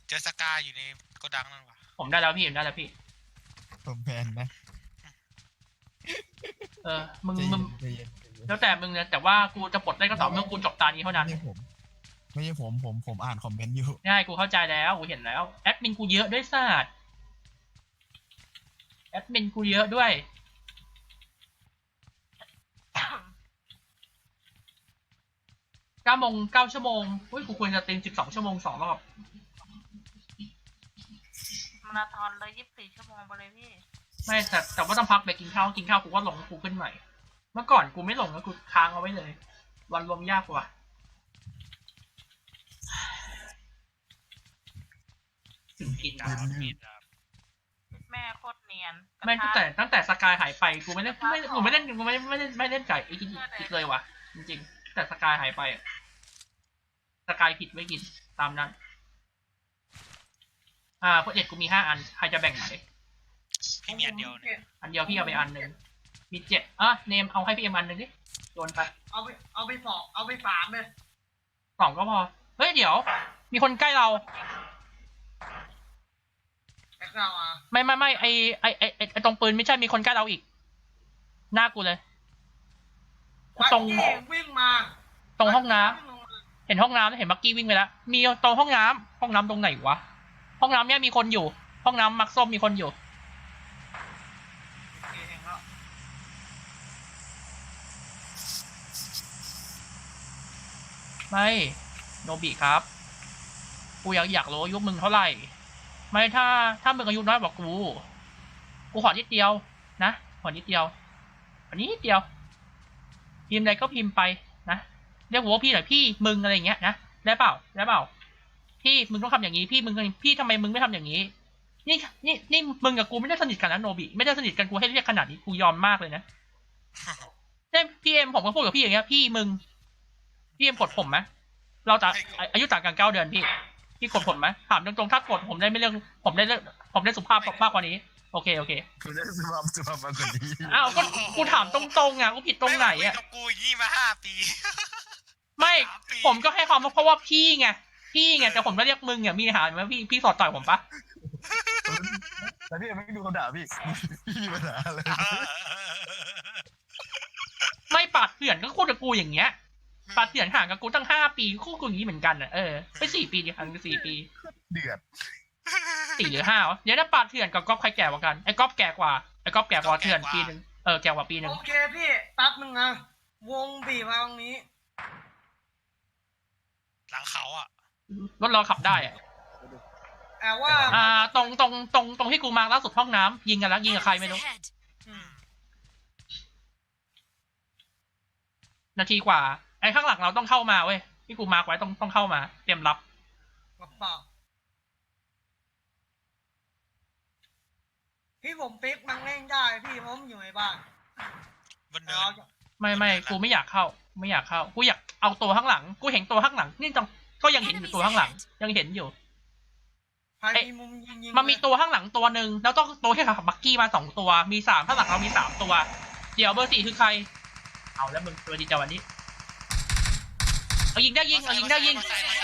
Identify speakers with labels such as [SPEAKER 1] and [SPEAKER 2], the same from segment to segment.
[SPEAKER 1] เจอสกาอยู่ในโกดังนั่นวะ
[SPEAKER 2] ผมได้แล้วพี่ผมได้แล้วพี่
[SPEAKER 3] ผมแพนนะ
[SPEAKER 2] มึง
[SPEAKER 3] ใจเย็น
[SPEAKER 2] แล้วแต่มึงนะแต่ว่ากูจะปลดได้ก็ต่อเมื่อกูจบตานี้เท่านั้น
[SPEAKER 3] ไม่ใช่ผมอ่านคอมเมนต์อยู่
[SPEAKER 2] ง่ายกูเข้าใจแล้วกูเห็นแล้วแอดมินกูเยอะด้วยสัตว์แอดมินกูเยอะด้วย9 ชั่วโมงอุ้ยกูควรจะเต็ม12 ชั่วโมง2 รอบ
[SPEAKER 4] มาราธอนเลย24 ชั่วโมงไปเลยพี่
[SPEAKER 2] ไม่แต่ว่าต้องพักไปกินข้าวกูก็ลงกูขึ้นใหม่เมื่อก่อนกูไม่ลงแล้วกูค้างเอาไว้เลยวันรวมยากกว่าถึงกินนะ
[SPEAKER 4] แม่โคตรเนียน
[SPEAKER 2] ไม่ตั้งแต่สกายหายไปกูไม่เล่นไก่อีกเลยว่ะจริงๆแต่สกายหายไปสกายผิดไม่กินตามนั้นโปรเจกต์กูมี5 อันใครจะแบ่งไหน
[SPEAKER 1] พี่มีอันเดียวเนี่ย
[SPEAKER 2] อันเดียวพี่เอาไปอันหนึ่งมี7เนมเอาให้พี่เอ็มอันหนึ่งดิโยนไป
[SPEAKER 4] เอาไป3เลย
[SPEAKER 2] 2ก็พอเฮ้ยเดี๋ยวมีคนใกล้เราไม่ไอตรงปืนไม่ใช่มีคนใกล้เราอีกหน้ากูเลยตรง
[SPEAKER 4] วิ่งมา
[SPEAKER 2] ตรงห้องน้ำเห็นห้องน้ำแล้วเห็นบักกี้วิ่งไปแล้วมีตรงห้องน้ำตรงไหนวะห้องน้ำเนี่ยมีคนอยู่ห้องน้ำมักส้มมีคนอยู่ไม่โนบิครับกูอยากรู้อายุมึงเท่าไหร่ไม่ถ้ามึงอายุน้อยกว่ากูขอนิดเดียวนะขอนิดเดียวอันนี้นิดเดียวพิมพ์ใดก็พิมพ์ไปนะเรียกหัวพี่หน่อยพี่มึงอะไรอย่างเงี้ยนะได้เปล่าพี่มึงต้องทำอย่างนี้พี่ทำไมมึงไม่ทำอย่างนี้นี่มึงกับกูไม่ได้สนิทกันนะโนบิไม่ได้สนิทกันกูให้เรียกขนาดนี้กูยอมมากเลยนะเนี่ยพี่เอ็มผมก็พูดกับพี่อย่างเงี้ยพี่มึงพี่เอ็มกดผมไหมเราจะอายุต่างกัน9 เดือนพี่กดผมไหมถามตรงๆถ้ากดผมได้ไม่เรื่องผมได้สุภาพมากกว่านี้โอเค
[SPEAKER 3] คุณได้สุภาพมากกว่านี้
[SPEAKER 2] อ้าวก็กูถามตรงๆกูผิดตรงไหน
[SPEAKER 1] กับกูยี่มา5 ปี
[SPEAKER 2] ไม่ผมก็ให้ความเพราะว่าพี่ไงแต่ผมก็เรียกมึงมีปัญหาไหมพี่สอดต่อยผมปะ
[SPEAKER 3] แต่พี่ไม่ดูเขาด่าพี่มีปัญหาอะไร
[SPEAKER 2] ไม่ปาดเถื่อนก็คู่กับกูอย่างเงี้ยปาดเถื่อนห่างกับกูตั้ง5 ปีคู่กูอย่างนี้เหมือนกันไป4 ปีดิห่างกัน4 ปี
[SPEAKER 3] เดือด
[SPEAKER 2] 4 หรือ 5เดี๋ยวถ้าปาดเถื่อนกับก๊อฟใครแก่กว่ากันไอ้ก๊อฟแก่กว่าเถื่อนปีนึงแก่กว่าปีนึง
[SPEAKER 4] โอเคพี่แป๊บนึงนะวงบีบมาตรงนี้
[SPEAKER 1] หลังเขา
[SPEAKER 2] รถเราขับได้
[SPEAKER 4] แต่ว่า
[SPEAKER 2] ตรงที่กูมาล่าสุดห้องน้ำยิงกันแล้วยิงกับใครไม่รู้นาทีกว่าไอ้ข้างหลังเราต้องเข้ามาเว้ยที่กูมาร์คไว้ต้องเข้ามาเตรียมรับ
[SPEAKER 4] พี่ผมปิ๊กมันเล่นได้พี่ผมอยู่ในบ้าน
[SPEAKER 2] ไม่กูไม่อยากเข้ากูอยากเอาตัวข้างหลังกูเห็นตัวข้างหลังนี่ก็ยังเห็นอยู่ตัวข้างหลังยังเห็นอยู่มันมีตัวข้างหลังตัวหนึ่งแล้วต้องตัวที่ขับบักกี้มา2 ตัวมี3ข้างหลังเรามี3 ตัวเดี๋ยวเบอร์ 4คือใครเอาแล้วมึงตัวดีจังวันนี้เอายิงได้ยิง
[SPEAKER 4] มันเจ็บ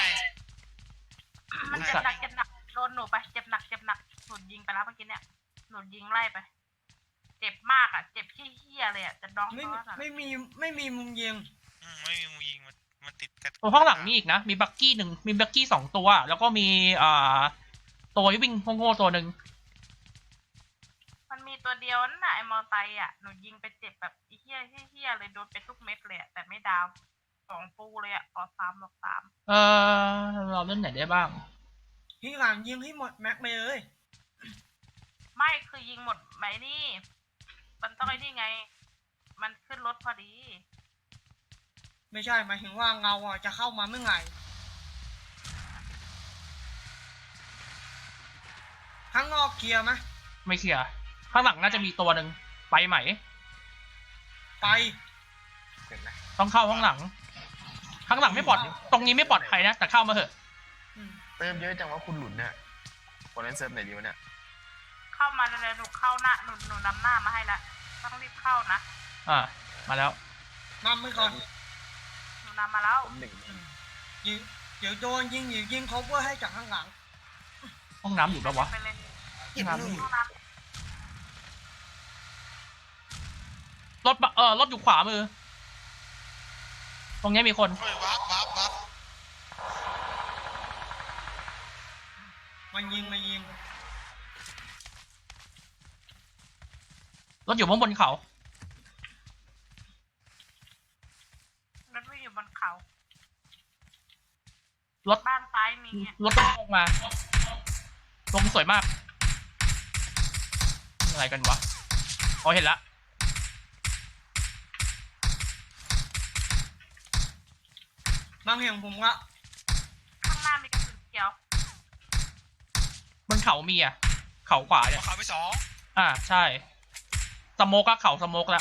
[SPEAKER 4] หนักโดนหนูไปเจ็บหนักหนูยิงไปแล้วเมื่อกี้เนี่ยหนูยิงไล่ไปเจ็บมากเจ็บเหี้ยเลยจะน้องไม่มีมุมยิง
[SPEAKER 1] ไม่มีมุมยิงมันติดกัน
[SPEAKER 2] ตัวข้างหลังมีอีกนะมีบักกี้1มีบักกี้2 ตัวแล้วก็มีตัววิ่งโง่ๆตัวหนึ่ง
[SPEAKER 4] มันมีตัวเดียวนั่นน่ะไอ้มอไซค์หนูยิงไปเจ็บแบบเหี้ยเลยโดนไปทุกเม็ดเลยแต่ไม่ดาว2 ปูเลยขอ3 บอก 3
[SPEAKER 2] เราเล่นไหนได้บ้าง
[SPEAKER 4] พี่หลังยิงให้หมดแม็กไปเลยไม่คือยิงหมดไหมนี่มันต้องไอ้นี่ไงมันขึ้นรถพอดีไม่ใช่หมายถึงว่าเงาจะเข้ามาเมื่อไหร่ข้างนอกเคลียร์ไหม
[SPEAKER 2] ไม่เคลียร์ข้างหลังน่าจะมีตัวหนึ่งไปไหม
[SPEAKER 4] ไป
[SPEAKER 2] ต้องเข้าข้างหลังไม่ปลอดตรงนี้ไม่ปลอดภัยนะแต่เข้ามาเถอะ
[SPEAKER 3] เติมเยอะจังว่าคุณหลุนเนี่ยคนนั้นเซิร์ฟไหนดีวะเนี่ย
[SPEAKER 4] เข้ามาเลยหนูเข้าหน้าหนูนำหน้ามาให้แล้วต้องรีบเข้านะ
[SPEAKER 2] มาแล้ว
[SPEAKER 4] นำมือก่อนหนูนำมาแล้วเดี๋ยวโดนยิงเขาเพื่อให้จากข้างหลัง
[SPEAKER 2] ห้องน้ำอยู่ปะวะ
[SPEAKER 4] ไปเลย
[SPEAKER 3] เห็น
[SPEAKER 2] น้ำ
[SPEAKER 3] เล
[SPEAKER 2] ไม่
[SPEAKER 3] ย
[SPEAKER 2] อยู่รถอยู่ขวามือ ตรงเนี้ยมีคน
[SPEAKER 1] เฮ้ยวับ
[SPEAKER 4] มันยิง
[SPEAKER 2] รถอยู่ข้างบนเขา
[SPEAKER 4] รถไม่อยู่บนเขา
[SPEAKER 2] รถ
[SPEAKER 4] บ้านซ้ายมีอะ
[SPEAKER 2] รถลงมาลงสวยมากอะไรกันวะอ๋อเห็นละ
[SPEAKER 4] บางเห็นผมละข้างหน้ามีกระสุนเขียว
[SPEAKER 2] บนเขามีอ่ะ เขาขวาเนี่ย
[SPEAKER 1] เขาไปสอง
[SPEAKER 2] ใช่สโมกอะเขาสโมกละ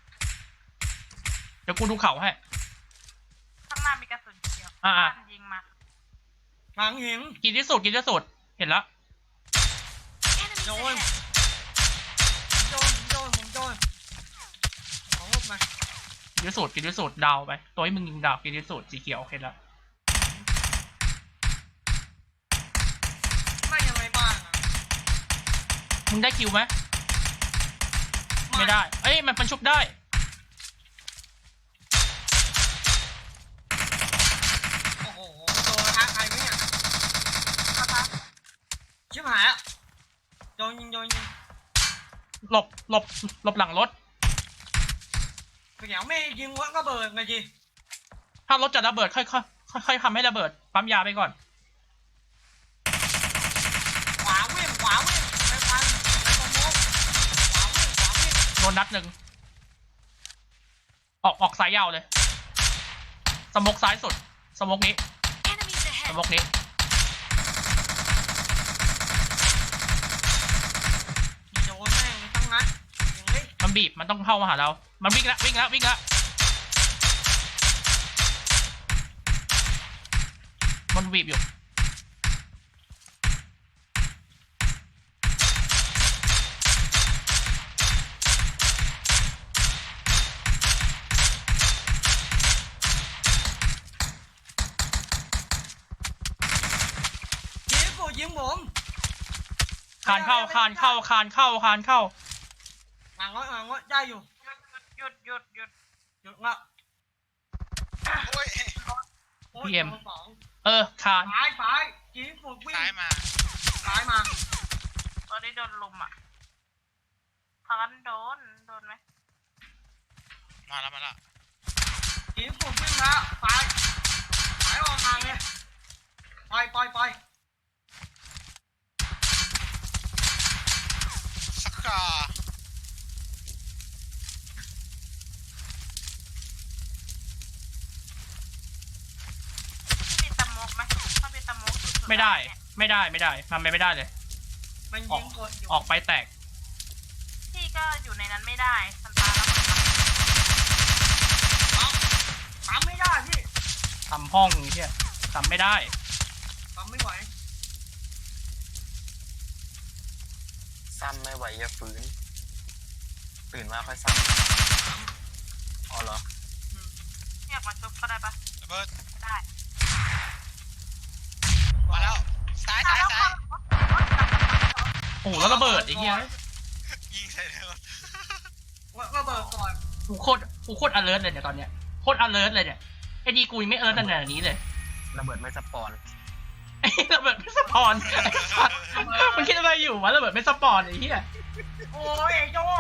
[SPEAKER 2] เดี๋ยวกูดูเขาให้
[SPEAKER 4] ข้างหน้ามีกระสุนเขียว
[SPEAKER 2] อ่า
[SPEAKER 4] บ้านยิงมาบางเห็น
[SPEAKER 2] กินที่สุดเห็นละ
[SPEAKER 4] โดนของลบมา
[SPEAKER 2] กินที่สุดดาวไปตัวให้มึงยิงดาวกินที่สุดสีเขียวเห็นละ
[SPEAKER 4] ไม่ยังไงบ้างอะ
[SPEAKER 2] มึงได้คิวไหมไม่ได้เอ้ยมันชุบได้
[SPEAKER 4] โอ้โหโดนท้าใครไหมเนี่ยชิบหายอ่ะโดนยิง
[SPEAKER 2] หลบหลังรถ
[SPEAKER 4] เดี๋ยวไม่ยิงวะก็เบิดไงจี
[SPEAKER 2] ถ้ารถจะระเบิดค่อยทำให้ระเบิดปั๊มยาไปก่อน
[SPEAKER 4] ขวาวิ่งไปพันไปโปรโมทขวาวิ่ง
[SPEAKER 2] โดนนัดหนึ่งออกสายยาวเลยสโมกซ้ายสุดสโมกนี้
[SPEAKER 5] Enemies
[SPEAKER 2] ส
[SPEAKER 5] ahead!
[SPEAKER 2] โมกนี้
[SPEAKER 4] โดนแม่งตั้งนัดยิงเลย
[SPEAKER 2] มันบีบมันต้องเข้ามาหาเรา มันวิ่งละมันบีบอยู่
[SPEAKER 4] ยิงผม
[SPEAKER 2] คานเข้า
[SPEAKER 4] หลังรถได้อยู่หยุดละ
[SPEAKER 1] โอ้ย
[SPEAKER 4] โอ้ยโดนสอง
[SPEAKER 2] คาน
[SPEAKER 4] ซ้ายยิงผมวิ่ง
[SPEAKER 1] ซ้ายมา
[SPEAKER 4] ตอนนี้โดนลุมอ่ะพันโดนไหม
[SPEAKER 1] มาแล้ว
[SPEAKER 4] ยิงผมวิ่งแล้วซ้ายออกทางเลยไป
[SPEAKER 1] สักกา
[SPEAKER 4] มีตะมกไหมถ้ามีตะมก
[SPEAKER 2] ไม่ได้มันไม่ได้เลย
[SPEAKER 4] มันยิงกดอยู่
[SPEAKER 2] ออกไปแตก
[SPEAKER 4] พี่ก็อยู่ในนั้นไม่ได้ทันตาแล้วปั๊มไม่ได้พี่
[SPEAKER 2] ทำห้องเฮียทำไม่ได้
[SPEAKER 4] ปั๊มไม่ไหว
[SPEAKER 3] ซ้ำไม่ไหวอย่าฝืนตื่นมาค่อยซ้ำอ๋อเหรอ
[SPEAKER 4] เรียกมาชุบก็ได้ปะ
[SPEAKER 1] ระเบิด
[SPEAKER 4] ไม่ได้
[SPEAKER 1] มาแล้วซ้าย
[SPEAKER 2] โอ้โหแล้วระเบิดไอ้เหี้ย
[SPEAKER 1] ยิงใส่เลย
[SPEAKER 4] ระเบิดก่อน
[SPEAKER 2] กูโคตร alert เลยเนี่ยตอนเนี้ยโคตร alert เลยเนี่ยไอ้ดีกูยังไม่ alert ขนาดนี้เลย
[SPEAKER 3] ระเบิดไม่สปอน
[SPEAKER 2] ไอ้ระเบิดไม่สปอนไอ้สัสมันคิดอะไรอยู่วะระเบิดไม่สปอนไอ้เหี้ย
[SPEAKER 4] โอ้ยโจ